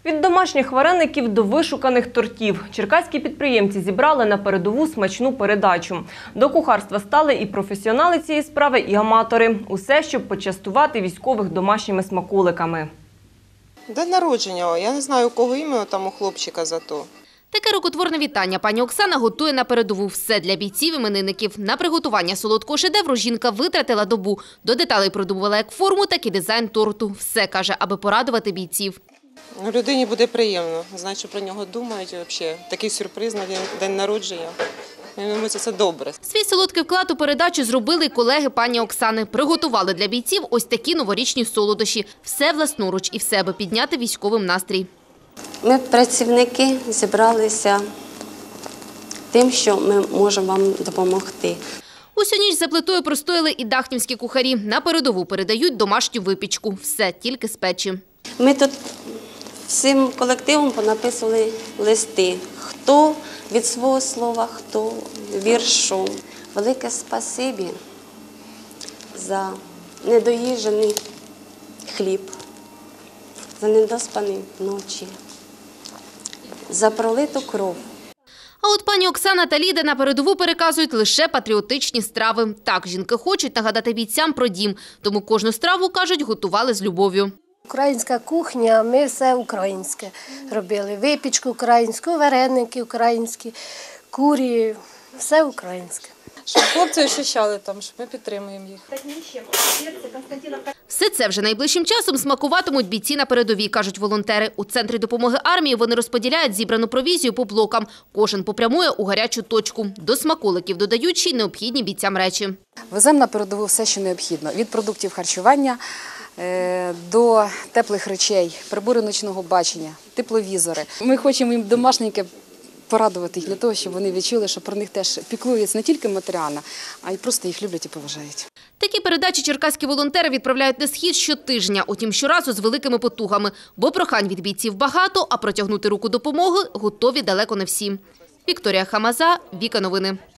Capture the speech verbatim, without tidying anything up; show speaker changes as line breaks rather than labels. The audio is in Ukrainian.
Від домашніх вареників до вишуканих тортів. Черкаські підприємці зібрали на передову смачну передачу. До кухарства стали і професіонали цієї справи, і аматори. Усе, щоб почастувати військових домашніми смаколиками.
День народження. Я не знаю, у кого ім'я, там у хлопчика зато.
Таке рукотворне вітання пані Оксана готує на передову. Все для бійців-іменинників. На приготування солодкого шедевру жінка витратила добу. До деталей продумувала як форму, так і дизайн торту. Все, каже, аби порадувати бійців.
Людині буде приємно, знати, що про нього думають. Взагалі. Такий сюрприз на день народження. Мені це добре.
Свій солодкий вклад у передачу зробили й колеги пані Оксани. Приготували для бійців ось такі новорічні солодощі. Все власноруч і все, аби підняти військовим настрій.
Ми, працівники, зібралися тим, що ми можемо вам допомогти.
Усю ніч за плитою простояли і дахнівські кухарі. На передову передають домашню випічку. Все тільки з печі.
Ми тут всім колективом понаписували листи. Хто від свого слова, хто віршом. Велике спасибі за недоїжджений хліб, за недоспані ночі, за пролиту кров.
А от пані Оксана та Ліда на передову переказують лише патріотичні страви. Так, жінки хочуть нагадати бійцям про дім. Тому кожну страву, кажуть, готували з любов'ю.
Українська кухня, ми все українське робили. Випічку українську, вареники українські, курі, все українське.
Щоб хлопці ощущали там, що ми підтримуємо їх.
Все це вже найближчим часом смакуватимуть бійці на передовій, кажуть волонтери. У Центрі допомоги армії вони розподіляють зібрану провізію по блокам. Кожен попрямує у гарячу точку. До смаколиків додають ще й необхідні бійцям речі.
Веземо на передову все, що необхідно. Від продуктів харчування до теплих речей, прибори ночного бачення, тепловізори. Ми хочемо їм домашненьке порадувати їх для того, щоб вони відчули, що про них теж піклуються не тільки матеріально, а й просто їх люблять і поважають.
Такі передачі черкаські волонтери відправляють на схід щотижня, утім щоразу з великими потугами. Бо прохань від бійців багато, а протягнути руку допомоги готові далеко не всі. Вікторія Хамаза, Віка Новини.